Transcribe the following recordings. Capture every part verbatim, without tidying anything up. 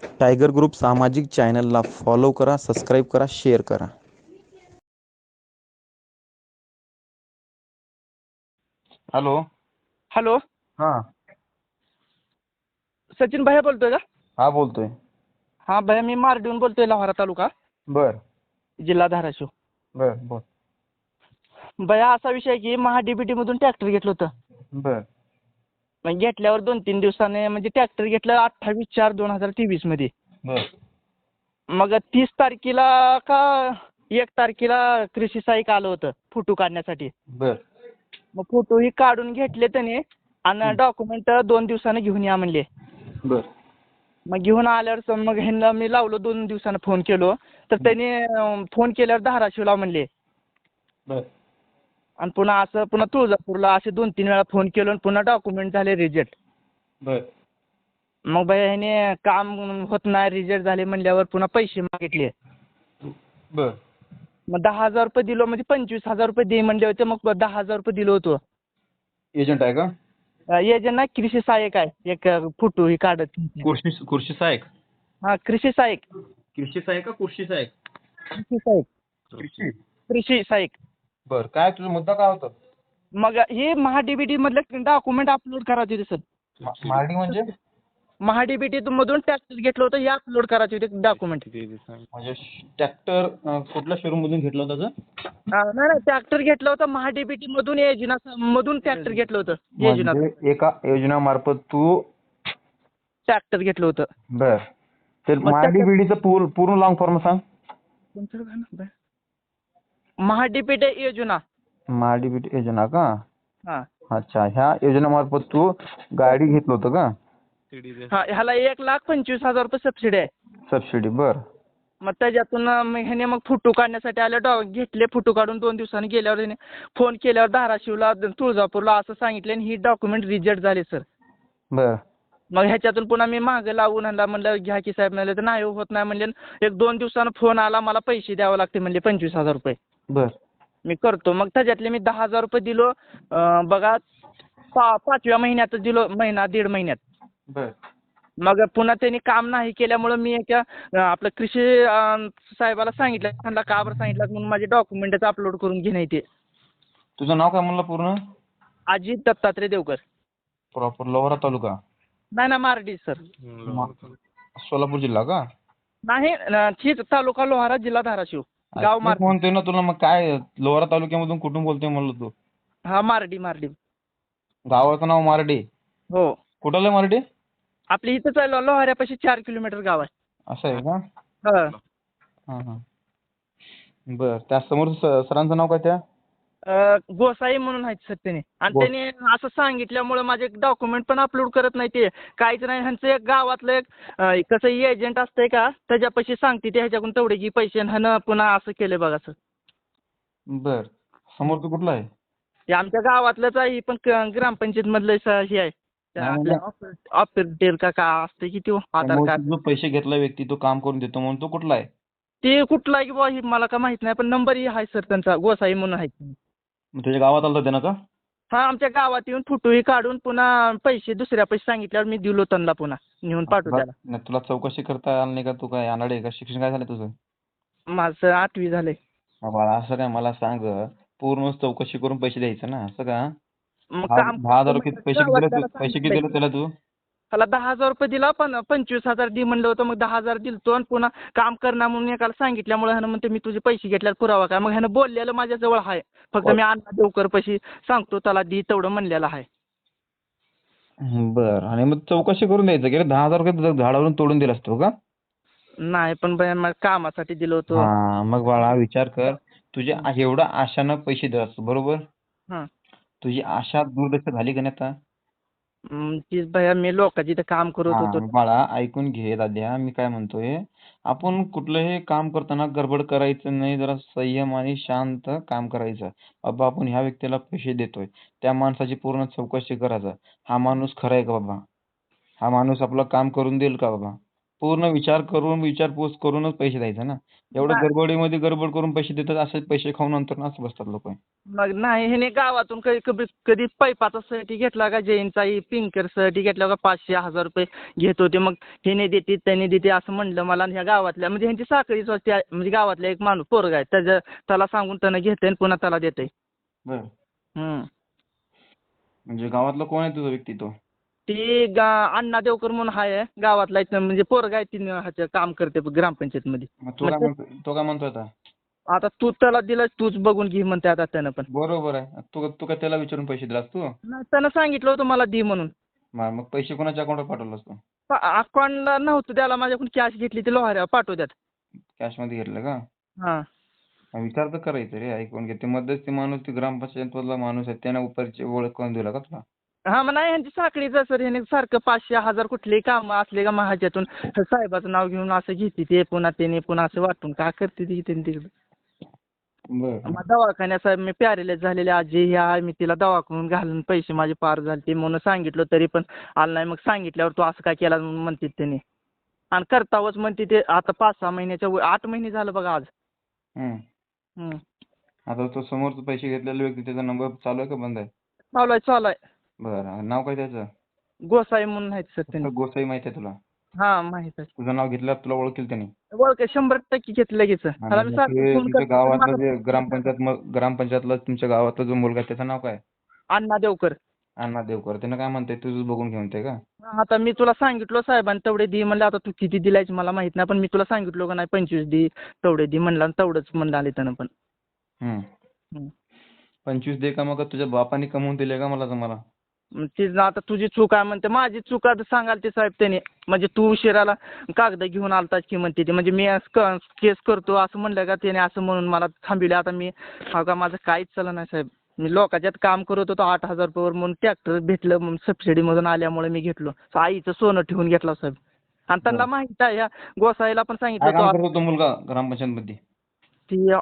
Tiger group सामाजिक चॅनलला follow करा, सबस्क्राईब करा, शेअर करा. हॅलो. हॅलो, हा सचिन भैया बोलतोय का? हा बोलतोय. हा भैया, मी मारडीहून बोलतोय, लोहारा तालुका, बर जिल्हा धाराशिव. बर बोल. भैया, असा विषय आहे की महा डीबीटी मधून ट्रॅक्टर घेतलं होतं. बर मग घेतल्यावर दोन तीन दिवसाने म्हणजे ट्रॅक्टर घेतलं अठ्ठावीस चार दोन हजार तेवीस मध्ये. बर मग तीस तारखेला का एक तारखेला कृषी सहाय्यक आलं होतं फोटो काढण्यासाठी. बर मग फोटो ही काढून घेतले त्याने आणि डॉक्युमेंट दोन दिवसाने घेऊन या म्हणले. बर मग घेऊन आल्यावर स- मग ह्यांना मी लावलो, दोन दिवसानं फोन केलो तर त्यांनी फोन केल्यावर धाराशिवला म्हणले. बर आणि पुन्हा असं पुन्हा तुळजापूरला असे दोन तीन वेळा फोन केलो आणि पुन्हा डॉक्युमेंट झाले रिजेक्ट. बर मग भैया ह्याने काम होत नाही, रिजेक्ट झाले म्हणल्यावर पुन्हा पैसे मागितले. बर मग दहा हजार रुपये दिलो, म्हणजे पंचवीस हजार रुपये दे म्हणले होते. मग दहा हजार रुपये दिलो होतो. एजंट आहे का? एजंट ना कृषी सहाय्यक आहे, एक फोटो ही काढत. कृषी कृषी सहाय्यक. हा, कृषी सहाय्यक. कृषी सहाय्यक का कृषी सहाय्यक? कृषी सहाय्यक. कृषी. कृषी सहाय्यक. बर, काय तुझा मुद्दा काय होता? मग हे महाडीबीटी मधलं डॉक्युमेंट अपलोड करायचे होते सर. मार्डी म्हणजे? महाडीबीटी मधून टॅक्स घेतलं होतं, हे अपलोड करायचे होते डॉक्युमेंट. म्हणजे ट्रॅक्टर कुठल्या शोरूम मधून घेतला होता का? नाही नाही, ट्रॅक्टर घेतलं होतं महाडीबीटी मधून, योजना मधून ट्रॅक्टर घेतलं होतं. योजना म्हणजे एका योजनामार्फत तू ट्रॅक्टर घेतलं होतं. बर. तर मग मार्डी बीडीचं पूर्ण पूर्ण लॉंग फॉर्म सांग. महाडीबीटी योजना. मार्डी बीडी योजना का? हा अच्छा, ह्या योजनेमार्फत तू गाडी घेतलं होतं का? हा, ह्याला एक लाख पंचवीस हजार रुपये सबसिडी आहे. सबसिडी. बर मग त्याच्यातून मग ह्याने मग फोटो काढण्यासाठी आले, डॉ घेतले फोटो काढून. दोन दिवसांनी गेल्यावर त्याने फोन केल्यावर धाराशिवला तुळजापूरला असं सांगितलं आणि ही डॉक्युमेंट रिजेक्ट झाले सर. बर मग ह्याच्यातून पुन्हा मी मागं लावून ह्यांना म्हणलं घ्या की साहेब, म्हणले तर नाही होत नाही म्हणले. एक दोन दिवसानं फोन आला, मला पैसे द्यावे लागते म्हणले पंचवीस हजार रुपये. बर मी करतो. मग त्याच्यातले मी दहा हजार रुपये दिलो. अं, बघा पा पाचव्या महिन्यात दिलो, महिना दीड महिन्यात. बर मग पुन्हा त्यांनी काम नाही केल्यामुळं मी एका अं, आपलं कृषी अं, साहेबाला सांगितलं. त्यांना का बरं सांगितलं म्हणून माझे डॉक्युमेंटच अपलोड करून घेणे ते. तुझं नाव काय म्हणलं पूर्ण? अजित दत्तात्रय देवकर. प्रॉपर लोहारा तालुका? नाही ना, मारडी सर. सोलापूर जिल्हा का? नाही, अं, ठीक, तालुका लोहारा, जिल्हा धाराशिव, गाव तेच मारडी. म्हणतोय ना तुला. मग काय लोहारा तालुक्यामधून कुठून बोलतोय म्हणलं तू? हा, मारडी मारडी. गावाचं नाव मार्डी? हो, कुठलं आहे मार्डी? आपली इथंच आहे, लो- लोहाऱ्यापाशी चार किलोमीटर गाव आहे. असं आहे का? हा. हा हा. बर, त्या समोर स- सरांचं नाव काय त्या? अं, गोसाई म्हणून आहेत सर त्याने. आणि गो- त्याने असं सांगितल्यामुळे माझे डॉक्युमेंट पण अपलोड करत नाही ते. काहीच नाही. ह्यांचं एक गावातलं एक अं, कसं एजंट असतंय का, त्याच्यापाशी सांगते ते ह्याच्याकडून तेवढे की पैसे, आणि ह्यानं पुन्हा असं केलंय बघा सर. बर, समोर तू कुठला आहे? हे आमच्या गावातलंच आहे, पण क- ग्रामपंचायत मधलं स- हे आहे. त्या नाही, आपल्या नाही. ऑपरेटर का का असते की तो आधार समोर कार्ड. तू जो पैसे घेतला व्यक्ती, तो काम करून देतो म्हणून तो कुठला आहे? ते कुठला आहे की बुवा हे मला का माहित नाही, पण नंबरही आहे सर त्यांचा, गोसाई म्हणून आहे. मग तुझ्या गावात आलं होतं ना का? हा, आमच्या गावात येऊन फोटोही काढून पुन्हा पैसे दुसऱ्या पैसे सांगितल्यावर मी दिलो त्यांना पुन्हा नेऊन पाठवू तुला त्याला. नाही, तुला चौकशी करता आली नाही का? तू काय अनाडे आहे का? शिक्षण काय झालं तुझं? माझं आठवी झालंय. हा बाळा, असं काय मला सांग, पूर्ण चौकशी करून पैसे द्यायचं ना, असं का? मग दहा काम दहा हजार रुपये पैसे किती दिले तू? पैसे किती दिले त्याला तू? त्याला दहा हजार रुपये दिला, पण पंचवीस हजार दे म्हणलं होतं. मग दहा हजार दिलतो आणि पुन्हा काम करणार म्हणून एकाला सांगितल्यामुळे ह्यानं म्हणते मी तुझे पैसे घेतल्यात पुरावा काय. मग ह्यानं बोललेलं माझ्याजवळ आहे, फक्त मी अण्णा देवकर पैसे सांगतो त्याला दी तेवढं म्हणलेलं आहे. बर, आणि मग चौकशी करून द्यायचं की रे? दहा हजार रुपये तुझं झाडावरून तोडून दिला असतो का? नाही, पण बाई मला कामासाठी दिलं होतं. हा, मग बाळा विचार कर, तुझे एवढा आशानं पैसे दिला असतो, बरोबर? हां. तुझी आशा दुर्दशा झाली का नाही आता? हम्म, तीच भैया मी लोकांची इथं काम करत हा, होतो. बाळा ऐकून घे दाद्या, मी काय म्हणतोय, आपण कुठलंही काम करताना गडबड करायचं नाही, जरा संयम आणि शांत काम करायचं. बाबा, आपण ह्या व्यक्तीला पैसे देतोय, त्या माणसाची पूर्ण चौकशी करायचं. हा माणूस खरा आहे का बाबा? हा माणूस आपलं काम करून देईल का बाबा? पूर्ण विचार करून विचारपूस करूनच पैसे द्यायचे ना. एवढं नाही. गडबडीमध्ये गडबड करून पैसे देतात, असे पैसे खाऊन नंतर ना असं बसतात लोक. मग नाही ह्याने गावातून कधी कधी कधी पैपाचा साठी घेतला का जैनचा पिंकर साठी घेतला का पाचशे हजार रुपये घेत होते. मग ह्याने देते त्याने देते असं म्हणलं मला. आणि ह्या गावातल्या म्हणजे ह्यांची साखळीच होती. म्हणजे गावातला एक माणूस पोरगा आहे त्याच्या त्याला सांगून त्यानं घेते आणि पुन्हा त्याला देते. बरं. हम्म. म्हणजे गावातला कोण आहे तुझा व्यक्ती तो? ती गा अण्णा देवकर म्हणून आहे गावातला इथं म्हणजे पोरगा आहे ती ह्याचं काम करते ग्रामपंचायत मध्ये. मग तो काय म्हणतो तो काय म्हणतो आता? आता तू त्याला दिलं तूच बघून घे म्हणते आता त्यानं पण. बरोबर आहे. तू तू काय त्याला विचारून पैसे दिलास तू? नाही, त्यानं सांगितलं होतं मला दे म्हणून. मग मग पैसे कोणाच्या अकाउंटवर पाठवलास तू? अकाउंटला नव्हतं त्याला माझ्याकडून कॅश घेतली ती लोहाऱ्या पाठवत्यात. कॅशमध्ये घेतलं का? हा. मग विचार तर करायचं रे. ऐकून घे. ते मध्यस्थी माणूस ते ग्रामपंचायत मधला माणूस आहे त्याने उपरची ओळख करून दिला का तुला? हा मग नाही ह्यांची साखळीच आहे सर. ह्याने सारखं पाचशे हजार कुठलेही कामं असले का महाज्यातून साहेबाचं नाव घेऊन असं घेते ते पुन्हा त्याने पुन्हा असं वाटून का करते ती त्यांनी तिकडं. बरं. मग दवाखान्यात साहेब मी पॅरेलाइज झालेली आजी ही आहे मी तिला दवाखान्यात घालून पैसे माझे पार झाले म्हणून सांगितलं तरी पण आलं नाही. मग सांगितल्यावर तू असं काय केला म्हणून म्हणते त्याने. आणि करतावच म्हणते ते आता पाच सहा महिन्याच्या वर- आठ महिने झालं बघा आज. हम्म. हम्म. आता तो समोरचा पैसे घेतलेला व्यक्ती त्याचा नंबर चालू आहे का बंद आहे? चालू आहे चालू आहे. बरं. नाव काय त्याचं? गोसाई म्हणून आहेत सर त्यांनी. फक्त गोसाई माहिती आहे तुला? हा माहित आहे. तुझं नाव घेतल्यावर तुला ओळखेल त्याने? ओळख शंभर टक्के घेतलं लगेच. त्याला मी आणि सारखं ते फोन तुमच्या करतो, गावातलं माझा जे फोन ग्रामपंचायत मग ग्रामपंचायतला तुमच्या गावातला जो मुलगा आहे त्याचं नाव काय? अण्णा देवकर. अण्णा देवकर. त्यानं काय म्हणतंय तुझं बघून घेऊन ते का? आता मी तुला सांगितलं साहेबांनी तेवढे दे म्हणलं. आता तू किती दिलायच मला माहित नाही पण मी तुला सांगितलं का नाही पंचवीस दे तेवढे दे म्हणलं आणि तेवढंच म्हणलं आले त्यानं पण. हम्म. हम्म. पंचवीस दे का मग तुझ्या बापाने कमवून दिले का मला तुम्हाला? मग ती आता तुझी चूक आहे म्हणते. माझी चूक आता सांगाल ते साहेब त्याने. म्हणजे तू उशिराला कागद घेऊन आलतास की म्हणते ते. म्हणजे मी केस करतो असं म्हणलं का त्याने असं म्हणून मला थांबविले. आता मी हा का माझं काहीच चाललं नाही साहेब. मी लोकांच्यात काम करत होतो आठ हजार रुपयावर म्हणून ट्रॅक्टर भेटलं म्हणून सबसिडीमधून आल्यामुळे मी घेतलो. आईचं सोनं ठेवून घेतलं साहेब. आणि त्यांना माहित आहे ह्या गोसाईला पण काय सांगितलं काम तो करतो तो मुलगा ग्रामपंचायत मध्ये? ती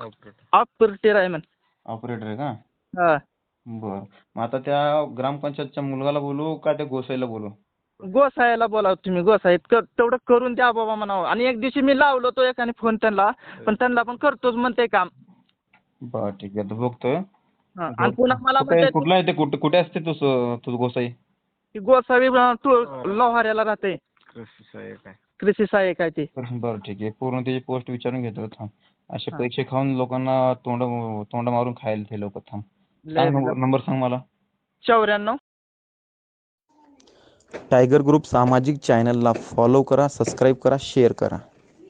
ऑपरेटर आहे म्हण. ऑपरेटर आहे का? हा. बरं. मग आता त्या ग्रामपंचायतच्या मुलगाला बोलू का त्या गोसाईला बोलू? गोसाईला बोलाव तुम्ही. गोसाईत कर तेवढं करून द्या बाबा म्हणावं. आणि एक दिवशी मी लावलो तो एकाने फोन त्यांना पण त्यांना पण करतोच म्हणते काम. बरं ठीक आहे. तर बघतोय. हा. आणि पुन्हा मला कुठे म्हणते कुठला आहे ते कुठे कुठे असते तो स- तो गोसाई? की गोसावी तू लोहाऱ्याला राहते. कृषी सहाय्यक आहे ते. बरं ठीक आहे. पूर्ण त्याची पोस्ट विचारून घेतो थांब. असे हा. पैसे खाऊन लोकांना तोंड तोंड मारून खायला ते लोक. थांब. लय सांग नंबर नंबर सांग मला. चौऱ्याण्णव टायगर ग्रुप सामाजिक चॅनलला फॉलो करा, सबस्क्राईब करा, शेअर करा.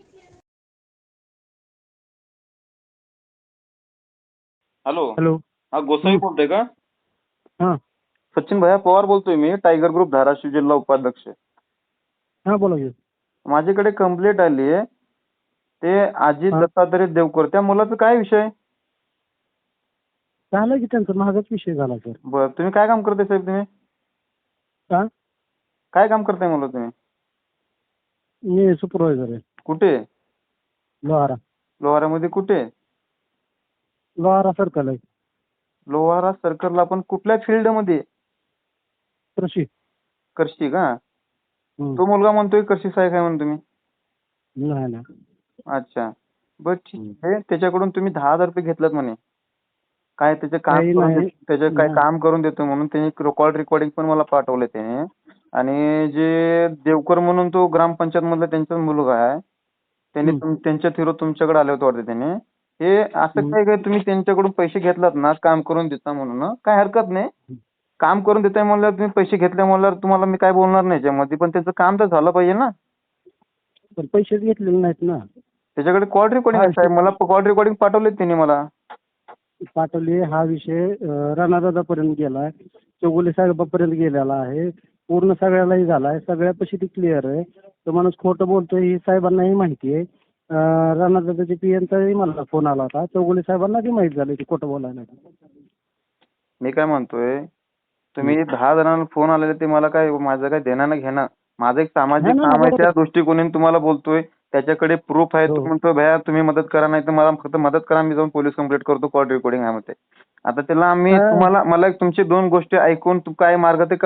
हॅलो. हॅलो. हा गोसाई बोलतोय का? हां सचिन भैया पवार बोलतोय मी. टायगर ग्रुप धाराशिव जिल्हा उपाध्यक्ष. हां बोला की. माझ्याकडे कंप्लेंट आली आहे. ते अजित हा. दत्तात्रय देवकर त्या मुलाचा काय विषय? झालं की त्यांचा महागच विषय झाला सर. बरं. तुम्ही काय काम करताय साहेब तुम्ही? हा काय काम करताय मुलं तुम्ही? मी सुपरवायझर आहे कुठे? लोहारा. लोहारामध्ये कुठे? लोहारा सर्कल आहे. लोहारा सर्कलला पण कुठल्या फील्ड मध्ये? कृषी. करशी का? हम्म. तो मुलगा म्हणतोय करशी सहाय्यक आहे म्हणून तुम्ही. नाही नाही. अच्छा. बरं ठीक आहे. त्याच्याकडून तुम्ही दहा हजार रुपये घेतलात म्हणे. काय त्याचे काम काही करून नाही. देत- त्याचे काय नाही. काम करून देतो म्हणून त्यांनी कॉल रेकॉर्डिंग पण मला पाठवले त्याने. आणि जे देवकर म्हणून तो ग्रामपंचायत मधला त्यांचा मुलगा आहे त्यांनी हम्म. तुम- त्यांच्या थ्रू तुमच्याकडे आले होते वाटते त्याने. हे असं हम्म. काय काय तुम्ही त्यांच्याकडून पैसे घेतलात ना काम करून देता म्हणून काय हरकत नाही. काम करून देताय म्हणल्यावर तुम्ही पैसे घेतले म्हणल्यावर तुम्हाला मी काय बोलणार नाही याच्यामध्ये. पण त्याचं काम तर झालं पाहिजे ना. पण पैसेच घेतलेले नाहीत ना. त्याच्याकडे कॉल रेकॉर्डिंग आहे साहेब. मला कॉल रेकॉर्डिंग पाठवले त्यांनी मला. पाठवले. हा विषय अं, राणादादापर्यंत गेलाय. चौगुले साहेबापर्यंत गेलेला आहे. पूर्ण सगळ्यालाही झालाय. सगळ्यापाशी ती क्लिअर आहे. तो माणूस खोटं बोलतोय ही साहेबांनाही माहिती आहे. अं, राणादादाच्या पीएनचाही मला फोन आला होता. चौगुले साहेबांना बी माहित झालं की खोटं बोलायला. मी काय म्हणतोय तुम्ही दहा जणांना फोन आलेले ते मला काय माझं काय देणं न घेणं. माझं एक सामाजिक नाही, नाही, काम आहे बरोबर. त्या दृष्टिकोनाने तुम्हाला बोलतोय. त्याच्याकडे प्रूफ आहे. हो. तो म्हणतो भैया तुम्ही मदत करा नाही तर मला फक्त मदत करा मी जाऊन पोलीस कंप्लेंट करतो कॉल रेकॉर्डिंग आहे म्हणते. आता त्याला आम्ही हा. तुम्हाला मला एक तुमची दोन गोष्टी ऐकून तू काय मार्ग ते काढा.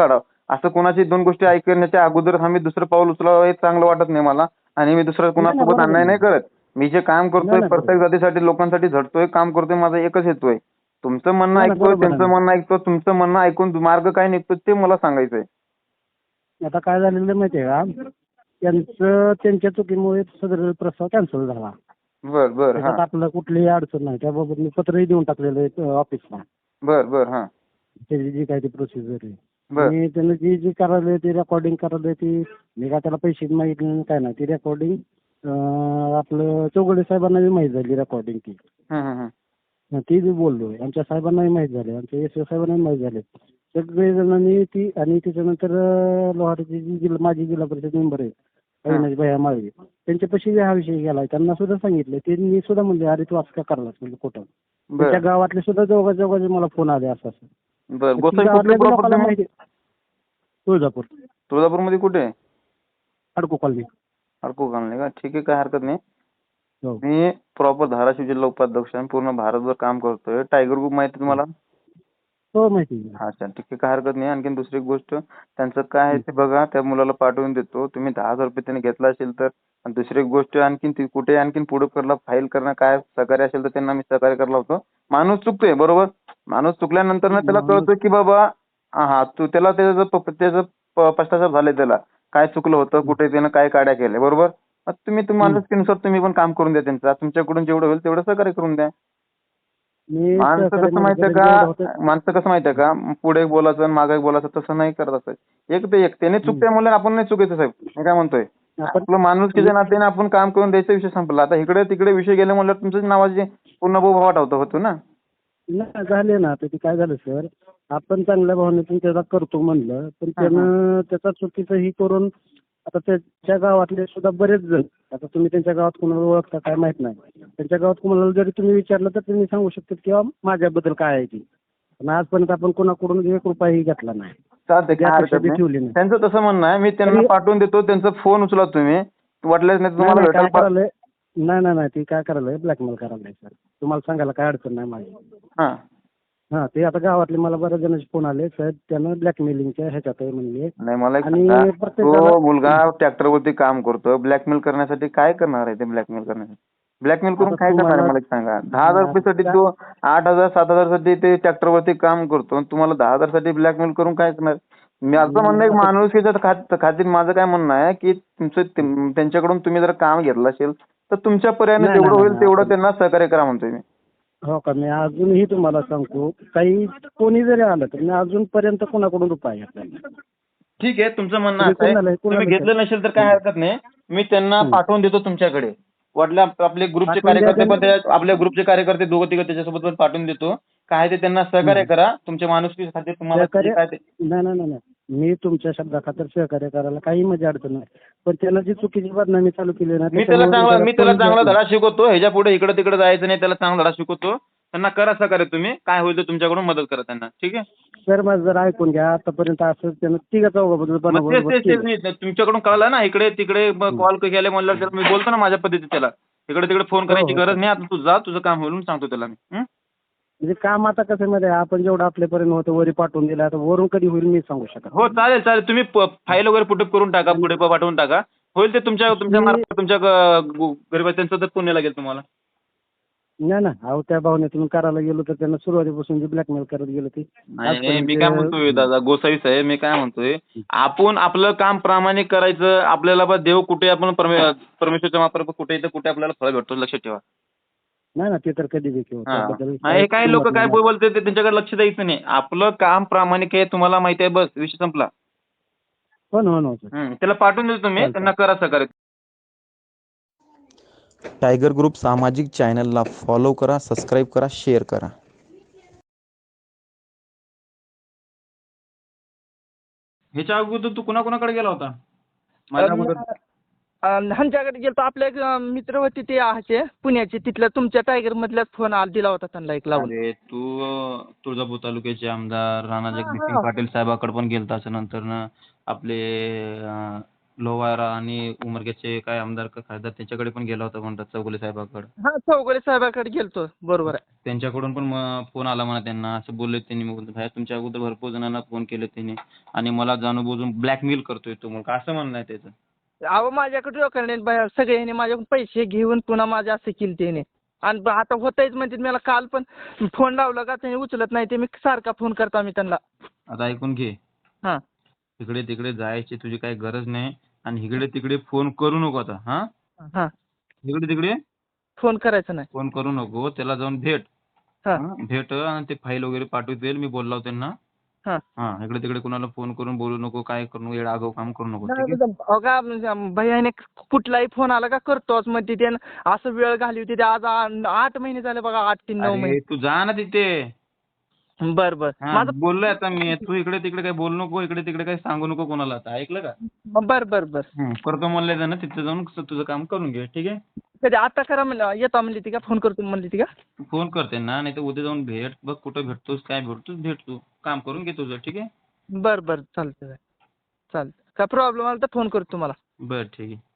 असं कोणाची दोन गोष्टी ऐकण्याच्या अगोदर आम्ही दुसरं पाऊल उचलावं हे चांगलं वाटत नाही मला. आणि मी दुसरं नाही नाही कुणासोबत बरोबर अन्याय आहे. नाही करत. मी जे काम नाही करतोय नाही बरोबर. प्रत्येक जातीसाठी लोकांसाठी झटतोय काम करतोय माझा एकच हेतू आहे. तुमचं म्हणणं नाही नाही ऐकतोय बरोबर आहे त्यांचं ना. म्हणणं ऐकतो तुमचं म्हणणं ऐकून मार्ग काय निघतो ते मला सांगायचंय. आता काय झालेलं माहिती आहे का, त्यांचं त्यांच्या चुकीमुळे सदर प्रस्ताव कॅन्सल झाला. बर बर हा त्याच्यात आपलं कुठलीही अडचण नाही. त्याबाबत मी पत्रही देऊन टाकलेलं आहे ऑफिसला. बर बर हा त्याची जी काय ती प्रोसिजर आहे. बर आणि त्यानं जी जी करायला ती रेकॉर्डिंग करायला ती मी काय त्याला पैसे मागितले नाही काय नाही. ती रेकॉर्डिंग आपलं चौगुले साहेबांना बी माहीत झाली रेकॉर्डिंग ती. हं, हं, हं. हं, ती बी बोललोय. आमच्या साहेबांनाही माहीत झाले. आमच्या एस ओ साहेबांनाही माहीत झाले. सगळे जणांनी ती आणि त्याच्यानंतर अं, लोहारीची जी जिल्हा माजी जिल्हा परिषद मेंबर आहे अविनाश भैया माळवे त्यांच्यापाशी हा विषय गेला. त्यांना सुद्धा सांगितलं. त्यांनी सुद्धा म्हणले अरे तू असं का करलास म्हणजे खोटं. बर त्यांच्या गावातले सुद्धा दोघा दोघांचे मला फोन आले असं असं. बर ती गोसावी कुठली गावातल्या बी लोकांना प्रॉपर्टी माहिती. तुळजापूर तुळजापूरमध्ये कुठे अडको कॉलनी. अडकू घालणे का? ठीक आहे काय हरकत नाही. हो मी प्रॉपर धाराशिव जिल्हा उपाध्यक्ष आहे. पूर्ण भारतभर काम करतोय. टायगर ग्रुप माहिती आहे तुम्हाला? हो माहिती आहे. अच्छा ठीक आहे काय हरकत नाही. आणखीन दुसरी एक गोष्ट त्यांचं काय आहे ते बघा. त्या मुलाला पाठवून देतो. तुम्ही दहा हजार रुपये त्यांनी घेतला असेल तर. आणि दुसरी एक गोष्ट आणखीन ती कुठे आणखीन पुढे करला फाईल करणं काय सहकार्य असेल तर त्यांना मी सहकार्य करला होतो. माणूस चुकतोय बरोबर. माणूस चुकल्यानंतर ना त्याला माणूस- कळतं की बाबा हा तू त्याला त्याचं प- त्याचं प- पश्चाताप झाले त्याला काय चुकलं होतं कुठे त्यानं काय काड्या केल्या बरोबर. मग तुम्ही तुम्हाला माणुसकीनुसार तुम्ही पण काम करून द्या त्यांचं. तुमच्याकडून जेवढं होईल तेवढं सहकार्य करून द्या. मी माणसं सहकार्य कसं माहितीये माझ्याकडे जेवढं का होतं- माणसं कसं माहितीये का पुढे बोलायचं आणि मागे बोलायचं तसं नाही करत असं. एक ते एक त्याने चुकते म्हणलं आपण नाही चुकायचं साहेब. मी काय म्हणतोय आपण आपलं माणुसकीच्या नात्याने आपण काम करून द्यायचा विषय संपला. आता इकडे तिकडे विषय गेले म्हणलं तुमच्याच नावाचे पूर्ण बोभाट होतो होतो ना. नाही झाले ना. आता ते काय झालं सर, आपण चांगल्या भावनेतून त्याला करतो म्हणलं पण त्यानं त्याचा चुकीचं ही करून आता त्याच्या गावातले सुद्धा बरेच जण, आता तुम्ही त्यांच्या गावात कोणाला ओळखता काय माहित नाही. त्यांच्या गावात कोणाला जरी तुम्ही विचारलं तर त्यांनी सांगू शकतात किंवा माझ्याबद्दल काय आहे ती. पण आजपर्यंत आपण कोणाकडून एक रुपयाही घेतला नाही. चालतंय कधी काय अपेक्षा हरकत बी नाही. ठेवली नाही. त्यांचं तसं म्हणणं आहे मी त्यांना तरी- पाठवून देतो. त्यांचा फोन उचला तुम्ही वाटल्यास नाही तर नाही तुम्हाला नाही, काय भेटायला करायलंय नाही नाही नाही ती काय करायलंय ब्लॅकमेल करायलंय सर. तुम्हाला सांगायला काय अडचण नाही माझी. हा हा ते आता गावातले मला बऱ्याच जणांचे फोन आले साहेब त्यानं ब्लॅकमेलिंगच्या ह्याच्यात आहे म्हणले. नाही मला एक आणि सांगा प्रत्येकाला- तो मुलगा ट्रॅक्टरवरती काम करतो. ब्लॅकमेल करण्यासाठी काय करणार आहे ते ब्लॅकमेल करण्यासाठी? ब्लॅकमेल करून आता काय करणार आहे तुम्हाला- मला एक सांगा. दहा हजार रुपयासाठी आता- तो आठ हजार सात हजार साठी ते ट्रॅक्टरवरती काम करतो आणि तुम्हाला दहा हजार साठी ब्लॅकमेल करून काय करणार? माझं म्हणणं एक माणुसकीच्या खात- खातीर माझं काय म्हणणं आहे की तुमचं ते- त्यांच्याकडून तुम्ही जर काम घेतलं असेल तर तुमच्या पर्यायाने नाही, जेवढं नाही, होईल नाही, तेवढं आपण- त्यांना सहकार्य करा म्हणतोय मी. हो का, मी अजूनही तुम्हाला सांगतो काही कोणी जरी आलं तर मी अजूनपर्यंत कोणाकडून रुपये घेतला नाही. ठीक आहे तुमचं म्हणणं तुम्ही असं आहे कोणाला- कोणाला तुम्ही घेतलं नसेल तर काय हरकत नाही. मी त्यांना हम्म. पाठवून देतो तुमच्याकडे. वाटलं आप- आपले ग्रुपचे पाठवून द्या कार्यकर्ते पण त्यांना. त्या- आपल्या ग्रुपचे कार्यकर्ते दोघं तिघं त्याच्यासोबत पण पाठवून देतो. काय ते त्यांना सहकार्य हम्म. करा. तुमच्या माणुसकी खातीर तुम्हाला जे सहकार्य काय ते नाही नाही नाही नाही. मी तुमच्या शब्दा खातर सहकार्य करायला काही मजा अडचण नाही. पण त्यानं जी चुकीची बदनामी चालू केली ना मी त्याला चांगला मी त्याला चांगला त्याच्यामुळे धडा शिकवतो. ह्याच्या पुढे इकडे तिकडे जायचं नाही. त्याला चांगला धडा शिकवतो. त्यांना करा सहकार्य तुम्ही. काय होईल ते तुमच्याकडून मदत करा त्यांना. ठीक आहे. सर माझं जर ऐकून घ्या आतापर्यंत असं त्यानं तिघा चौघाबद्दल मग तेच बनवलं तेच तेच नाही तुमच्याकडून कळलं ना इकडे तिकडे कॉल केले म्हणल्यावर त्याला मी बोलतो ना माझ्या पद्धतीत त्याला. इकडे तिकडे फोन करायची हो, गरज नाही. आता तू जा तुझं काम होईल म्हणून सांगतो त्याला मी. हं? म्हणजे काम आता कसं मध्ये आपण जेवढं आपल्यापर्यंत होतं वरी पाठवून दिलं आता वरून कधी होईल मी सांगू शकत हो चालेल चालेल. तुम्ही फाईल वगैरे पुटअप करून टाका. पुढे प- पाठवून टाका. होईल ते तुमच्या तुमच्या मार्फत तुमच्या गरीब त्यांचं तर पुण्य लागेल तुम्हाला. नाही ना. अहो त्या भावनेतून करायला गेलो तर त्यांना सुरुवातीपासून जे ब्लॅकमेल करत गेलो ते नाही नाही मी काय म्हणतोय दादा गोसावी साहेब मी काय म्हणतोय आपण आपलं काम प्रामाणिक करायचं. आपल्याला बा देव कुठे आपण परमे- परमेश्वरच्या मार्फत कुठे येतं कुठे आपल्याला फळ भेटतो लक्षात ठेवा. नाही ना ते तर कधी देखील हा. त्याबद्दल नाही काही लोक काय बोलते ते त्यांच्याकडे लक्ष द्यायचं नाही. आपलं काम प्रामाणिक आहे तुम्हाला माहिती आहे बस विषय संपला. हो ना हो ना सर. हं. त्याला पाठवून देतो तुम्ही चालतंय. त्यांना करा सहकार्य. टायगर ग्रुप सामाजिक चॅनलला फॉलो करा, सबस्क्राईब करा, शेअर करा. ह्याच्या अगोदर तू कुणाकुणाकडे गेला होता? माझ्या अगोदर ह्यांच्याकडे गेलो आपले एक अं, मित्र होते ते ह्याचे पुण्याचे तिथल्या तुमच्या टायगर मधल्याच फोन आला दिला होता त्यांना एक लावून. अरे तू अं, तुळजापूर तालुक्याचे आमदार राणा हा, जगदीशसिंग हा. पाटील साहेबाकडे पण गेलता असं नंतर ना आपले अं, लोहारा आणि उमरग्याचे काय आमदार का खासदार त्यांच्याकडे पण गेला होता म्हणतात चौगुले साहेबाकडे. हा चौगुले साहेबाकडे गेलतो बरोबर आहे. त्यांच्याकडून पण फोन आला म्हणा त्यांना, असं बोलले त्यांनी. मग भाई तुमच्या अगोदर भरपूर जणांना फोन केले त्यांनी आणि मला जाणून ब्लॅकमेल करतोय तो, मग असं म्हणणं आहे त्याचं. अहो माझ्याकडे लोकांनी बाहेर सगळ्यांनी माझ्याकडून पैसे घेऊन पुन्हा माझ्या असं केलं त्याने. आणि ब- आता होतंयच म्हणजे मला काल पण फोन लावला का त्याने उचलत नाही, ते मी सारखा फोन करतो मी त्यांना. आता ऐकून घे, हा इकडे तिकडे जायची तुझी काही गरज नाही आणि इकडे तिकडे फोन करू नको आता. हा हा इकडे तिकडे फोन करायचा नाही. फोन करू नको, त्याला जाऊन भेट. हा हा, भेट आणि ते फाईल वगैरे पाठवतील, मी बोललो त्यांना. हा हा इकडे तिकडे कुणाला फोन करून बोलू नको, काय करू नको, येडा आगाऊ काम करू नको, ठीक आहे? नाही, अहो का म्हणजे भैयाने कुठलाही फोन आला का करतोच मग ते असं वेळ घाली होती ते. आज आ- आठ महिने झाले बघा, आठ तीन नऊ अरे महिने. तू जा ना तिथे. बर बर हा माझं बोललोय आता मी, तू इकडे तिकडे काही बोलू नको, इकडे तिकडे काही सांगू नको कोणाला. आता ऐकलं का? बर बर बर हं, करतो म्हणले ना, तिथे जाऊन तुझं काम करून घे, ठीक आहे? कधी आता करा म्हणलं, येतो म्हणली ती का, फोन करतो म्हणली ती का? तू फोन करते ना, नाही तर उद्या जाऊन भेट, बघ कुठं भेटतोस, काय भेटतोस, भेट, तू काम करून घे तुझं, ठीक आहे? बर बर चालतंय चालतंय. काय प्रॉब्लेम आला तर फोन करतो तुम्हाला. बरं ठीक आहे.